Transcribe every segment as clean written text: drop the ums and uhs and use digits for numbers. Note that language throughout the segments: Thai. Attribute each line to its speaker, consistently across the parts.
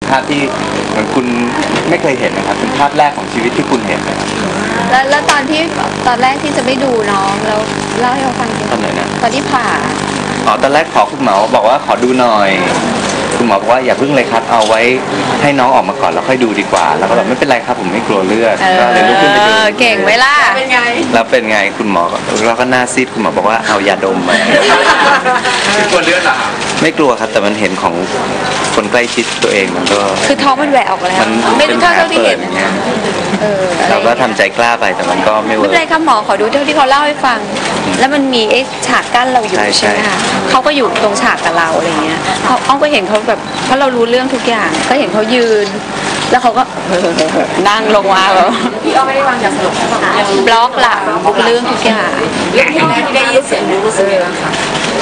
Speaker 1: ภาพที่เหมือนคุณไม่เคยเห็นนะครับเป็นภาพแรกของชีวิตที่คุณเห็นนะครับ
Speaker 2: แล้วตอนแรกที่จะไม่ดูน้องแล้วเล่าให้เราฟัง
Speaker 1: ตอนไหนนะ
Speaker 2: ตอนที่ผ่า
Speaker 1: ตอนแรกขอคุณหมอบอกว่าขอดูหน่อยคุณหมอบอกว่าอย่าพึ่งเลยครับเอาไว้ให้น้องออกมาก่อนแล้วค่อยดูดีกว่าแล้วก็แบบไม่เป็นไรครับผมไม่กลัวเลือดก็เลยลุกขึ้นไปดู
Speaker 2: เก่งไหมล่ะ
Speaker 3: เป็นไง
Speaker 1: แล้วเป็นไงคุณหมอเราก็หน้าซีดคุณหมอบอกว่าเอายาดมมา
Speaker 3: ไม่กลัวเลือดเหรอ
Speaker 1: ไม่กลัวครับแต่มันเห็นของคนใกล้ชิดตัวเองมันก็
Speaker 2: คือท้องมันแหวกออกแล้วไม่รู้เท่าที่เห็น
Speaker 1: เราก็ทำใจกล้าไปแต่มันก็ไม่เวิร์ก
Speaker 2: ไม่เป็นไรครับหมอขอดูเท่าที่เขาเล่าให้ฟังแล้วมันมีฉากกั้นเราอยู่ใช่ไหมคะเขาก็อยู่ตรงฉากกับเราอะไรเงี้ยอ้อมก็เห็นเขาแบบเพราะเรารู้เรื่องทุกอย่างก็เห็นเขายืนแล้วเขาก็นั่งลงมาแบบ
Speaker 3: พี่อ้อมไม่ได้วางยาสลบบ
Speaker 2: ล็อกหลังเรื่องทุกอย่าง
Speaker 3: เรื่องที่แรกที่ได้ยินเสียงรู้สึกยังไงคะ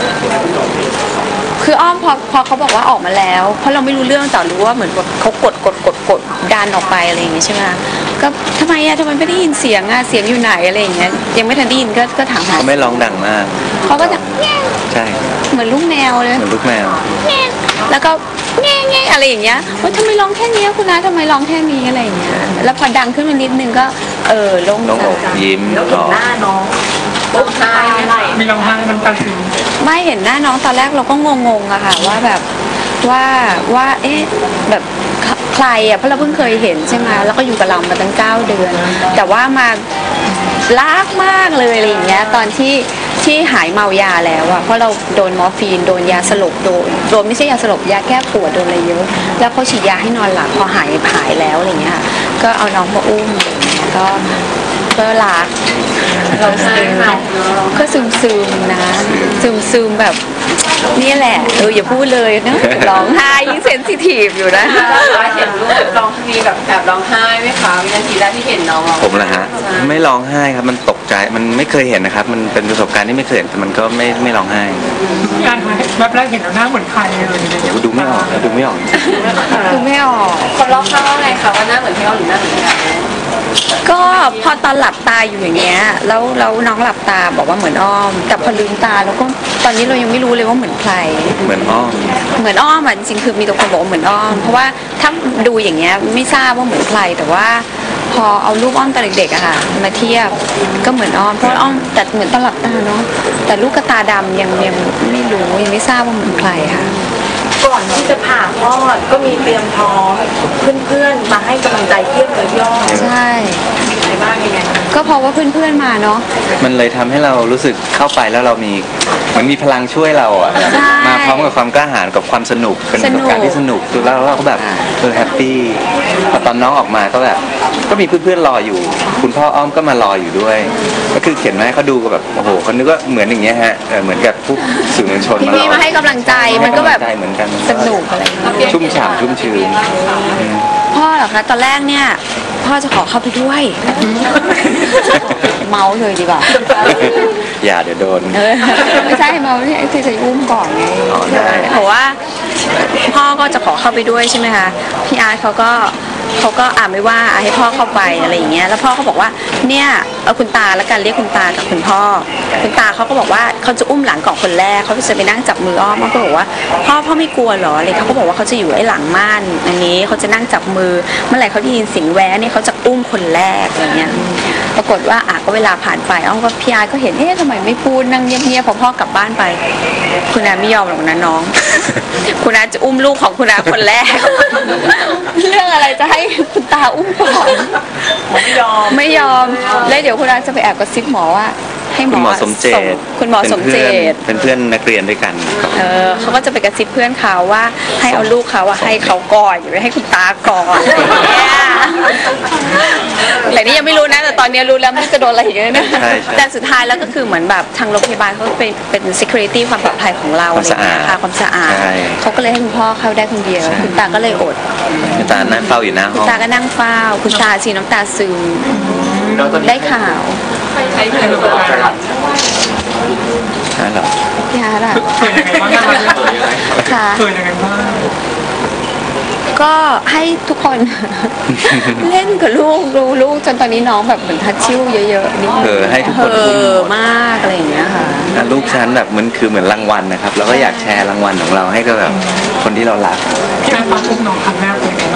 Speaker 2: คืออ้อมพอเขาบอกว่าออกมาแล้วเพราะเราไม่รู้เรื่องแต่รู้ว่าเหมือนเขากดดันออกไปอะไรอย่างงี้ใช่ไหมก็ทำไมไม่ได้ยินเสียงเสียงอยู่ไหนอะไรอย่างเงี้ยยังไม่ทันได้ยินก็ถาม
Speaker 1: เขาไม่ร้องดังมาก
Speaker 2: เขาก็จะ
Speaker 1: ใช่
Speaker 2: เหมือนลูกแมวเลย
Speaker 1: เหมือนลูกแมว
Speaker 2: แล้วก็แง่อะไรอย่างเงี้ยว่าทำไมร้องแค่นี้คุณน้าทำไมร้องแค่นี้อะไรอย่างเงี้ยแล้วพอดังขึ้นมานิดนึงก็โล่ง
Speaker 1: อกยิ้ม
Speaker 3: ต่อหน้าน้องร้องไห้
Speaker 4: มีร้องไห้น้ำตาซึม
Speaker 2: ไม่เห็นหน้าน้องตอนแรกเราก็งงอะค่ะว่าแบบว่าเอ๊ะแบบใครเพราะเราเพิ่งเคยเห็นใช่ไหมแล้วก็อยู่กับเรามาตั้ง9 เดือนแต่ว่ามารักมากเลยอะไรอย่างเงี้ยตอนที่หายเมายาแล้วอะเพราะเราโดนมอร์ฟีนโดนยาสลบโดนไม่ใช่ยาสลบยาแก้ปวดโดนอะไรเยอะแล้วเขาฉีดยาให้นอนหลับพอหายแล้วอะไรเงี้ยก็เอาน้องมาอุ้มก็รักเราก็ซึมนะซึมแบบนี่แหละอย่าพูดเลยนะร้องไห้ยิ่งเซนซิทีฟอยู่นะ
Speaker 3: เห็นลูกร้องมีแบบแอบร้องไห้ไหมคะวินาทีแรกที่เห็นน้อง
Speaker 1: ผมเหรอฮะไม่ร้องไห้ครับมันตกใจมันไม่เคยเห็นนะครับมันเป็นประสบการณ์ที่ไม่เคยเห็นแต่มันก็ไม่ร้องไห้
Speaker 4: การแบบแรกเห็นหน้าเหมือนใครเลย
Speaker 1: ดูไม่ออกดูไม่ออก
Speaker 3: คนรอบข้างว่าไงคะว่าหน้าเหมือนพี่อ้อมหรือหน้าเหมือนพี่อ้อม
Speaker 2: ก็พอตอนหลับตาอยู่อย่างเงี้ยแล้วน้องหลับตาบอกว่าเหมือนอ้อมแต่พอลืมตาแล้วก็ตอนนี้เรายังไม่รู้เลยว่าเหมือนใคร
Speaker 1: เหมือนอ้อม
Speaker 2: จริงๆคือมีตัวคนบอกว่าเหมือนอ้อมเพราะว่าถ้าดูอย่างเงี้ยไม่ทราบว่าเหมือนใครแต่ว่าพอเอารูปอ้อมตอนเด็กๆอะค่ะมาเทียบก็เหมือนอ้อมเพราะอ้อมแต่เหมือนตอนหลับตาเนาะแต่ลูกกระตาดำยังไม่รู้ยังไม่ทราบว่าเหมือนใครค่ะ
Speaker 3: ก่อนที่จะผ่าคลอดก็มีเตรียมท้องเพื่อนๆมาให้กำลังใจเทียบเลยย่อ
Speaker 2: ใช่
Speaker 3: ในบ้านยังไง
Speaker 2: ก็เพราะว่าเพื่อนๆมาเนาะ
Speaker 1: มันเลยทำให้เรารู้สึกเข้าไปแล้วเรามีเหมือนมีพลังช่วยเราอ่ะมาพร้อมกับความกล้าหาญกับความสนุกเป็นประสบการณ์ที่สนุกแล้วเราก็แบบแฮปปี้พอตอนน้องออกมาก็แบบก็มีเพื่อนๆรออยู่คุณพ่ออ้อมก็มารออยู่ด้วยก็คือเขียนมาให้เขาดูก็แบบโอ้โหเขานึกว่าเหมือนอย่างเงี้ยฮะเหมือนกับผู้สื่อมวลชน
Speaker 2: มาให้กำลังใจมันก็แบบ
Speaker 1: เหมือนกัน
Speaker 2: สนุกอะไร
Speaker 1: ชุ่มฉ่ำชุ่มชื้น
Speaker 2: พ่อเหรอคะตอนแรกเนี่ยพ่อจะขอเข้าไปด้วยเมาเลยดีกว่า
Speaker 1: อย่าเดี๋ยวโดน
Speaker 2: ไม่ใช่เมาเนี่ยคือจะอุ้มก่อนไงเพราะว่าพ่อก็จะขอเข้าไปด้วยใช่ไหมคะพี่อาร์ตเขาก็ไม่ว่าให้พ่อเข้าไปอะไรอย่างเงี้ยแล้วพ่อเขาบอกว่าเนี่ยเอาคุณตาแล้วกันเรียกคุณตากับคุณพ่อคุณตาเขาก็บอกว่าเขาจะอุ้มหลังก่อนคนแรกเขาจะไปนั่งจับมืออ้อมเขาก็บอกว่าพ่อไม่กลัวหรออะไรเขาก็บอกว่าเขาจะอยู่ไอ้หลังม่านอันนี้เขาจะนั่งจับมือเมื่อไหร่เขาได้ยินเสียงแวะเนี่ยเขาจะอุ้มคนแรกอะไรเงี้ยปรากฏว่าก็เวลาผ่านไปอ้อมก็พี่อาร์ก็เห็นทำไมไม่พูดนั่งเงียบๆพอพ่อกลับบ้านไปคุณอาไม่ยอมหรอกนะน้องคุณอาจะอุ้มลูกของคุณอาคนแรกเรื่องอะไรจะให้คุณตาอุ้มก่อนไม่ยอมแล้วเดี๋ยวคุณอาจะไปแอบกระซิบหมอว่าให้
Speaker 1: คุณหมอสมเจตเป็นเพื่อนนักเรียนด้วยกัน
Speaker 2: เขาก็จะไปกระซิบเพื่อนเขาว่าให้เอาลูกเขาให้เขาก่อนอย่าไปให้คุณตาก่อนแต่นี่ยังไม่รู้นะแต่ตอนนี้รู้แล้วไม่จะโดนอะไรอย่างเงี้ยนะแต่สุดท้ายแล้วก็คือเหมือนแบบทางโรงพยาบาลเขาเป็น security ความปลอดภัยของเราอะไรอย่างเงี้ยค่ะความสะอาดเขาก็เลยให้คุณพ่อเข้าได้คนเดียวคุณตาก็เลยอด
Speaker 1: คุณตานั่งเฝ้าอยู่หน้าห้อง
Speaker 2: คุณตาก็นั่งเฝ้าคุณตาชีน้ำตาซึมได้ข่าว
Speaker 3: ใช้เพื่อนหรือเปล่า
Speaker 1: ใช่หรอ
Speaker 2: พี่ฮาร์ดอะ
Speaker 4: เคยยังไงบ้าง
Speaker 2: ค่ะ
Speaker 4: เคยยังไงบ้าง
Speaker 2: ก็ให้ทุกคนเล่นกับลูกดูลูกจนตอนนี้น้องแบบเหมือนทัชชิ่วเยอะๆนิดนึง
Speaker 1: ให้ทุกคน
Speaker 2: มากอะไรอย่างเงี้ยค่ะ
Speaker 1: ลูกฉันแบบมันคือเหมือนรางวัลนะครับแล้วก็อยากแชร์รางวัลของเราให้กับแบบคนที่เรารัก
Speaker 4: พี่อาร์ตอุ้มน้องครั้งแรกเป็นไง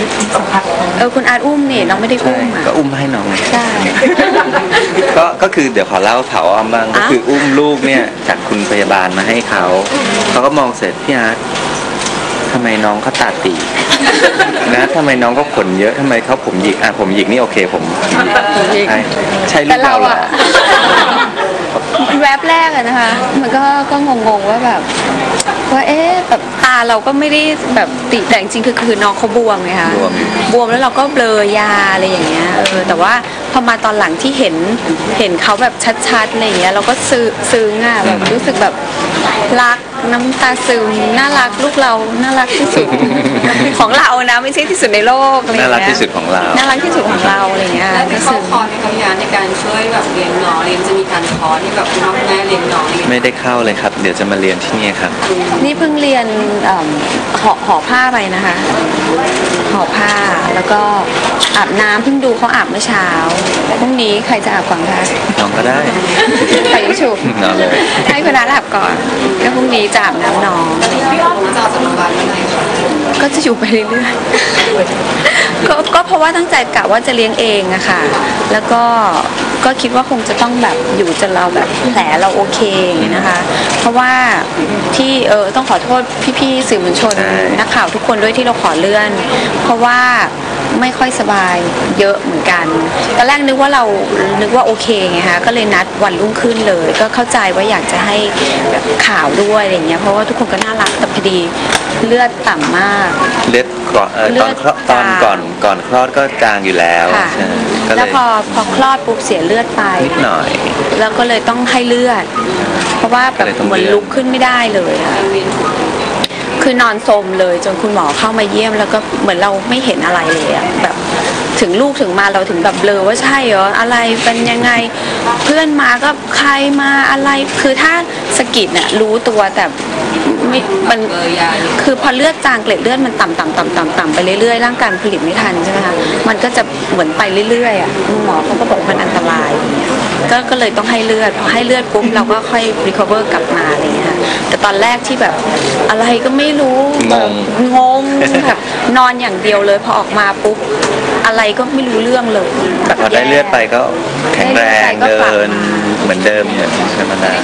Speaker 4: สัมผัส
Speaker 2: คุณอาร์ตอุ้มนี่น้องไม่ได้
Speaker 1: ใช่
Speaker 2: อุ้มอ่ะ
Speaker 1: ก็อุ้มให้น้อง
Speaker 2: ใช่
Speaker 1: ก็คือเดี๋ยวขอเล่าเผาอ้อมบ้างก็คืออุ้มลูกเนี่ยจากคุณพยาบาลมาให้เขาก็มองเสร็จพี่อาร์ตทำไมน้องเขาตาตีนะทำไมน้องเขาขนเยอะทำไมเขาผมหยิกผมหยิกนี่โอเคผมใช่ลู
Speaker 2: แต่
Speaker 1: ก
Speaker 2: เรา
Speaker 1: เราเหรอ
Speaker 2: อะแวบแรกอะนะคะ มันก็งงๆว่าแบบว่าแบบตาเราก็ไม่ได้แบบติแต่จริงๆคือน้องเขาบวมไงคะบวมแล้วเราก็เบลอยาอะไรอย่างเงี้ยแต่ว่าพอมาตอนหลังที่เห็นเขาแบบชัดๆอะไรอย่างเงี้ยเราก็ซึ้งอะแบบรู้สึกแบบรักน้ำตาซึมน่ารักลูกเราน่ารักที่สุด ของเรานะไม่ใช่ที่สุดในโลกอะไรอย่าง
Speaker 1: น่า
Speaker 2: เงี้ย
Speaker 1: รักที่สุดของเรา
Speaker 2: น่ารักที่สุดของเราอะไรอย่างเงี้ย
Speaker 5: ได้เข้าคอร์สในคำยานในการช่วยแบบเลี้ยงน้องจะมีการคอร์สที่แบบคุณพ่อคุณแม่เลี้ยงน้อง
Speaker 1: ไม่ได้เข้าเลยครับ เดี๋ยวจะมาเรียนที่นี่ครับ
Speaker 2: นี่เพิ่งเรียนห่อผ้าไปนะคะห่อผ้าแล้วก็อาบน้ำเพิ่งดูเขาอาบเมื่อเช้าพรุ่งนี้ใครจะอาบก่อนคะ
Speaker 1: น้องก็ได้
Speaker 2: ใครชุบ
Speaker 1: นอนเลย
Speaker 2: ให้คุณน้าอาบก่อนแล้วพรุ่งนี้จะอาบน้ำน้อง
Speaker 5: พี่อ้อมจะออกจากโรงพยาบาลเมื่อไหร่คะ
Speaker 2: ก็จะอยู่ไปเรื่อยๆก็เพราะว่าตั้งใจกะว่าจะเลี้ยงเองอะค่ะแล้วก็คิดว่าคงจะต้องแบบอยู่จนเราแบบแผลเราโอเคอย่างเงี้ยนะคะ เพราะว่าที่ต้องขอโทษพี่ๆสื่อมวลชนนักข่าวทุกคนด้วยที่เราขอเลื่อน เพราะว่าไม่ค่อยสบายเยอะเหมือนกันตอนแรกนึกว่าโอเคไงคะก็เลยนัดวันรุ่งขึ้นเลย ก็เข้าใจว่าอยากจะให้แบบข่าวด้วยอะไรเงี้ยเพราะว่าทุกคนก็น่ารักแต่พอดีเลือดต่ำมาก
Speaker 1: เลือดก่อนตอนก่อนคลอดก็จางอยู่แล้ว
Speaker 2: ค่ะ
Speaker 1: ใช่ก็เล
Speaker 2: แล้ว
Speaker 1: ย
Speaker 2: พอคลอดปุ๊บเสียเลือดไป
Speaker 1: นิดหน่อย
Speaker 2: แล้วก็เลยต้องให้เลือด เพราะว่าแบบ
Speaker 1: ก็เลยต้อง
Speaker 2: เหมือน
Speaker 1: เลื่อน
Speaker 2: ลุกขึ้นไม่ได้เลยอะคือนอนสมเลยจนคุณหมอเข้ามาเยี่ยมแล้วก็เหมือนเราไม่เห็นอะไรเลยอะแบบถึงลูกถึงมาเราถึงแบบเบลอว่าใช่เหรออะไรเป็นยังไงเพื่อนมาก็ใครมาอะไรคือถ้าสะกิดเนี่ยรู้ตัวแต่ไม่มันคือพอเลือดจางเกล็ดเลือดมันต่ำไปเรื่อยๆร่างกายผลิตไม่ทันใช่ไหมคะมันก็จะเหมือนไปเรื่อยๆอ่ะคุณหมอเขาก็บอกมันอันตรายอย่างเงี้ยก็เลยต้องให้เลือดพอให้เลือดปุ๊บเราก็ค่อย recover กลับมาอะไรเงี้ยแต่ตอนแรกที่แบบอะไรก็ไม่รู้งงแบบนอนอย่างเดียวเลยพอออกมาปุ๊บอะไรก็ไม่รู้เรื่องเลย
Speaker 1: แต่พอได้เลือดไปก็แข็งแรง
Speaker 2: ได้เลือดไปก็
Speaker 1: เดิ
Speaker 2: กลับ
Speaker 1: นเหมือนเดิมเหมือนธรรมดา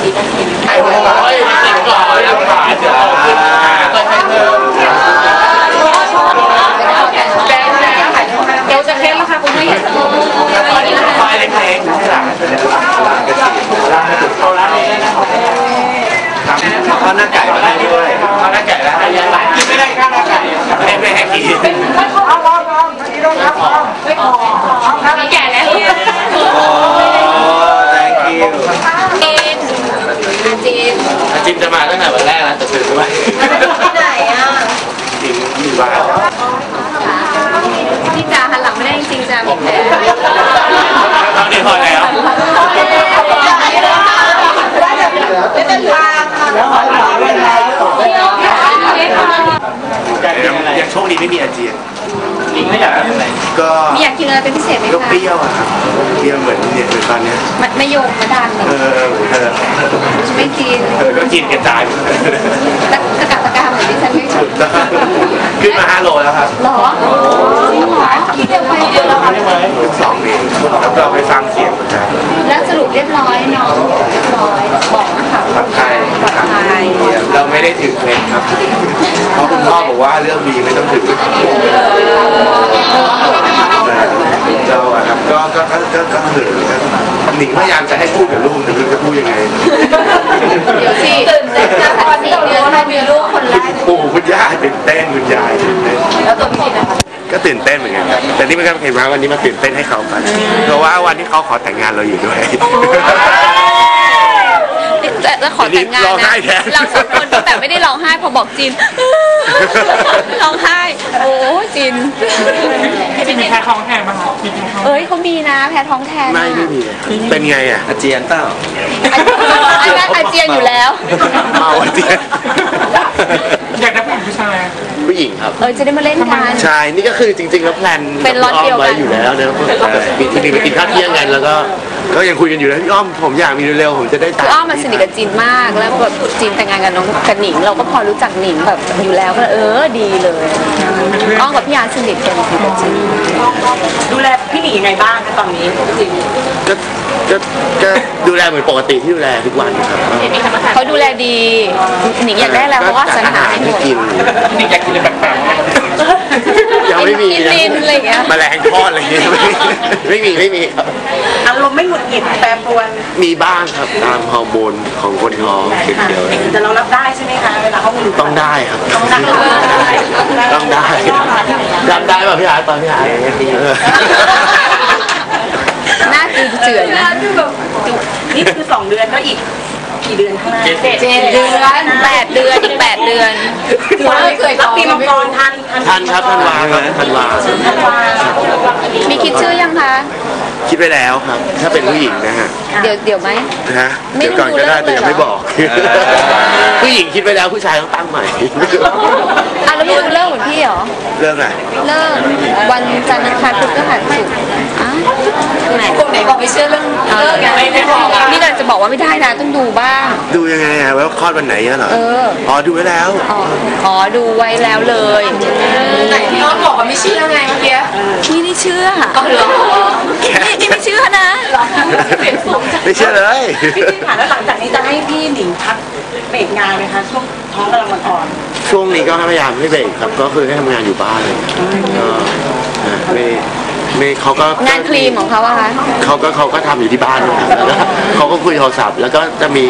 Speaker 5: เดี๋ยวจะเค้นแล้วค่ะคุณแม่
Speaker 1: ข้าวหน้าไก่มาให้ด้วยข้าวหน้าไก่แล้วกินไม่ได้ข้าวหน้าไก่ไม่ให้กิน
Speaker 5: แก่แล้ว
Speaker 1: โอ้ thank you
Speaker 6: จิมจะมาตั้งแต่วันแรกแล้วแต่ตื่นด้วย
Speaker 5: ที่ไหนอ่ะ
Speaker 6: จิมอยู่บ้าน
Speaker 2: พี่จ๋าหันหลังไม่ได้จริงๆจ้ามีแผล
Speaker 6: ตอนนี้พอแล้ว
Speaker 7: ยังโชคดีไม่มีอาเจียน
Speaker 6: ลิงไม่อยากอะไร
Speaker 7: ก็
Speaker 2: มีอยากกินอะไรเป็นพิเศษไหม
Speaker 7: ก็
Speaker 2: คะ
Speaker 7: เปรี้ยวอะครับเปรี้ยวเหมือนเนี่ยเหมือนตอนเนี้ย
Speaker 2: ไม่โยกมาดัน ไม่กิน
Speaker 7: ก็กินกระจาย
Speaker 2: ตะกาเหมือนที่ฉันไม่ชอบ
Speaker 7: ขึ้นมา5 โลแล้วครับ
Speaker 2: หรอคิดเร็วไปเดียวแล้วค่ะ
Speaker 7: 2 เองแล้วก็ไปฟังเสียงประจ
Speaker 2: แล้วสรุปเรียบร้อยเนาะเรียบร้อยบอกนะคะ
Speaker 7: ำปลอดภัย
Speaker 2: ปลอดภัย
Speaker 7: เราไม่ได้ถึงเคล็ดครับเพราะคุณพ่อบอกว่าเรื่องดีไม่ต้องถึงเราอะครับก็เขินหนิงพยายามจะให้พูดกับลูกแต่ไม่รู้จะพูดยังไง
Speaker 2: เดี๋ยวสิตื่นเต้นนะตอน4 เดือนเรามีลูกคนแรก
Speaker 7: ปู่คุณย่าตื่นเต้นคุณยายตื่นเต้น
Speaker 2: แล้วตัวพี่นะคะ
Speaker 7: ก็ตื่นเต้นเหมือนกันครับแต่นี่มันก็เห็นว่าวันนี้มาตื่นเต้นให้เขากันเพราะว่าวันที่เขาขอแต่งงานเราอยู่ด้วย
Speaker 2: จะขอแต่งงาน
Speaker 7: ร้องไห้
Speaker 2: นะ
Speaker 7: แทน
Speaker 2: เราสองคนแต่ไม่ได้ร้องไห้พอบอกจีนร้องไห้โอ้จีน
Speaker 4: จิมมีแพ้ท้องแทนมาค่ะจิมแพ้ท้อง
Speaker 2: เอ้ยเขามีนะแพ้ท้องแทน
Speaker 7: ไม่มีเลยครับเป็นไงอ่ะ
Speaker 1: อาเจียนเปล่า
Speaker 2: อันนั้นอาเจียนอยู่แล้ว
Speaker 7: เมาอาเจียน
Speaker 4: อยากได้ผู้หญิงผู้ชาย
Speaker 7: ผู้หญิงครับ
Speaker 2: จะได้มาเล่นกัน
Speaker 7: ใช่นี่ก็คือจริงๆแล้วแพลน
Speaker 2: เป็นล็อตเดียวกัน
Speaker 7: ไว้อยู่แล้วนะปีที่ไปกินข้าวเที่ยงกันแล้วก็ก็ยังคุยกันอยู่นะพี่อ้อมผมอยากมีเร็วๆผมจะได้
Speaker 2: คืออ้อมมาสนิทกับจีนมากแล้วแบบจีนแต่งงานกับน้องกับหนิงเราก็พอรู้จักหนิงแบบอยู่แล้วก็ดีเลยอ้อมกับพี่อาร์ตสนิทกันสนิทกับจีน
Speaker 3: ดูแลพี่หนิงยังไงบ้างคะตอนนี้จริง
Speaker 7: ก็ดูแลเหมือนปกติที่ดูแลทุกวันครับ
Speaker 2: เขาดูแลดีหนิงอยากได้แล้วเพราะว่าสรรหาให้หมด
Speaker 7: กิน
Speaker 4: นี่อยากกินอะไรแปลกๆไหม
Speaker 7: ยังไม่มี
Speaker 2: ลิ้นอะไรอย่างเงี้ย
Speaker 7: แมลงทอดอะไรอย่างเงี้ยไม่มีครับ
Speaker 3: ๆอารมณ์ไม่หงุดหงิดแปรปรวน
Speaker 7: มีบ้างครับตามฮอร์โมนของคนท้องเกี่ยว
Speaker 3: แต่เรารับได้ใช่ไหมคะเวลาเขาหงุดหงิด
Speaker 7: ต้องได้ครับ
Speaker 3: ต้องได้
Speaker 7: ต้องได้รับได้ป่ะพี่อาร์ตตอนพี่อาร์ต
Speaker 2: หน้าตีเจือนนะ
Speaker 3: นี่คือ2 เดือนก็อีกกี่เดือนข้างหน้า
Speaker 2: 7 เดือน8 เดือนอีก8 เดือน
Speaker 3: รับปีมังกรทัน
Speaker 7: ทันครับธันวาครับธันวา
Speaker 2: มีคิดชื่อยังคะ
Speaker 7: คิดไปแล้วครับ ถ้าเป็นผู้หญิงนะฮะ
Speaker 2: เดี๋ยวไหม
Speaker 7: นะ
Speaker 2: ไม่
Speaker 7: เดี๋ยวก่อนก็ได้
Speaker 2: รู้
Speaker 7: แต่ยังไม่
Speaker 2: เรื่องเลยเหรอ
Speaker 7: บอก ผู้หญิงคิดไปแล้วผู้ชายต้องตั้งใหม่
Speaker 2: อ่ะแล้วไม่ดูเลิกเหมือนพี่เหรอ
Speaker 7: เรื่องอะไร
Speaker 2: เลิกวันจันทร์อังคารพุธพฤหัสศุกร์อ้าวไหนบอกไม่เชื่อเรื่องเลิกไงนี่เราจะบอกว่าไม่ได้นะต้องดูบ้าง
Speaker 7: ดูยังไงอะว่าคลอดวันไหนอะเหรอ
Speaker 2: เออ
Speaker 7: อ๋อดูไว้แล้ว
Speaker 2: อ๋อดูไว้แล้วเลยไหนพี่อ้อมบอกว่าไม่เชื่อไงเมื่อกี้พี่นี่เชื่อเหรอนี่ไม่เชื่อนะ
Speaker 7: ไม่เชื่อเลย
Speaker 3: พี่จีนค่ะแล้วหลังจากนี้จะให้พี่หนิงพักเบรกงานไหมคะช่วงท้องกำลังอ่อน
Speaker 7: ช่วงนี้ก็พยายามไม่เบรกครับ ก็คือให้ทำงานอยู่บ้านเลยก็นะไม่เขาก็
Speaker 2: งานครีมของเขาอะคะ
Speaker 7: เขาก็ทำอยู่ที่บ้านนะครับแล้วก็เขาก็คุยโทรศัพท์แล้วก็จะมี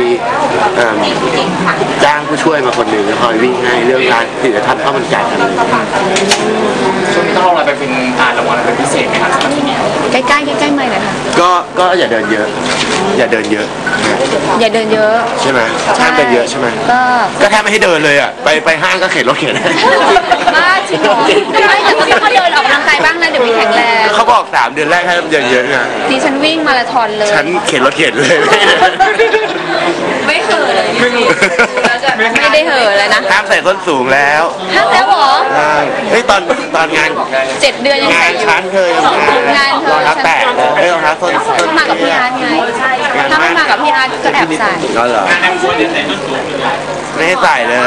Speaker 7: จ้างผู้ช่วยมาคนหนึ่งคอยวิ่งให้เรื่องร้านที่จะทำข้าวมันไก่อะไร
Speaker 4: ช่วงนี้ต้องเอาอะไรไปเป็นรางวัลอะไรเป็นพิเศษไหมครับสำหรับที่นี่
Speaker 2: ใกล้ๆไม่หน่อยค่ะ
Speaker 7: ก็อย่าเดินเยอะ อย่าเดินเยอะ
Speaker 2: อย่าเดินเยอะ
Speaker 7: ใช่ไหมห้ามเดินเยอะใช่ไหม
Speaker 2: ก็
Speaker 7: แทบไม่ให้เดินเลยอ่ะไปห้างก็เข็นรถเข็น
Speaker 2: บ้าจริงเหรอไม่แต่ก็ต้องเดินออกกำลังกายบ้างนะเดี๋ยวมีแข็งแรง
Speaker 7: เขาบอก3 เดือนแรกให้เดินเยอะนะ
Speaker 2: ดิฉันวิ่งมาราธอนเลย
Speaker 7: ฉันเข็นรถเข็นเลย
Speaker 2: ไม่เห่อเลยไม่ได้เห่อเลยนะ
Speaker 7: ห้ามใส่ส้นสูงแล้ว
Speaker 2: ห้ามแล้วเหรอ
Speaker 7: เฮ้ยตอนงาน
Speaker 2: 7 เดือนยัง
Speaker 7: งา
Speaker 2: ใส่
Speaker 7: น
Speaker 2: อยู่
Speaker 7: ชั้นเธอยัง
Speaker 2: งานเธอ
Speaker 7: รองเท้าแตะรองเท้าส้น
Speaker 2: ถ้ามากับพี่อาร์ตไงถ้าไม่มากับพี่อาร์ตก็แอบใส่
Speaker 7: ก็เหรอไม่ให้ใส่เลย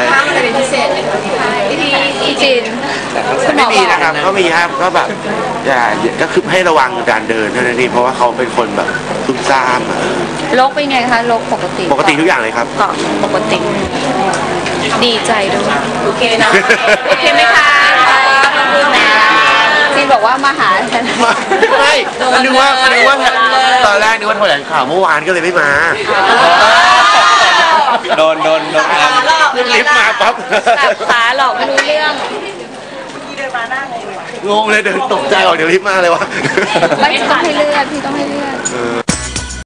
Speaker 2: พี่จีนคุณหม
Speaker 7: ไม่
Speaker 2: อ
Speaker 7: มี
Speaker 2: บอก
Speaker 7: นะครับก็มีครับก็แบบก็คือให้ระวังการเดินเท่านั้นเองเพราะว่าเขาเป็นคนแบบซุ่มซ่ามอะ
Speaker 2: โรคเป็นไงคะโรคปกติ
Speaker 7: ปกติทุกอย่างเลยครับ
Speaker 2: ก็ปกติ ดีใจด้วย
Speaker 3: โอเคนะ
Speaker 2: โอเคไหมคะจีนบอกว่ามาหาฉัน
Speaker 7: ไม่นึกว่าตอนแรกนึกว่าแถลงข่าวเมื่อวานก็เลยไม่มา
Speaker 1: โดน
Speaker 7: ลิฟต์มาปั๊บ
Speaker 2: แบบขาหลอกไม่รู้เรื่อง
Speaker 3: พี่เดินมาหน้างงเลย
Speaker 7: งงเลยเดินตกใจออกเดี๋ยวลิฟต์มาเลยวะ
Speaker 2: ไม่ต้องให้เลือดพี่ต้องให้เลือด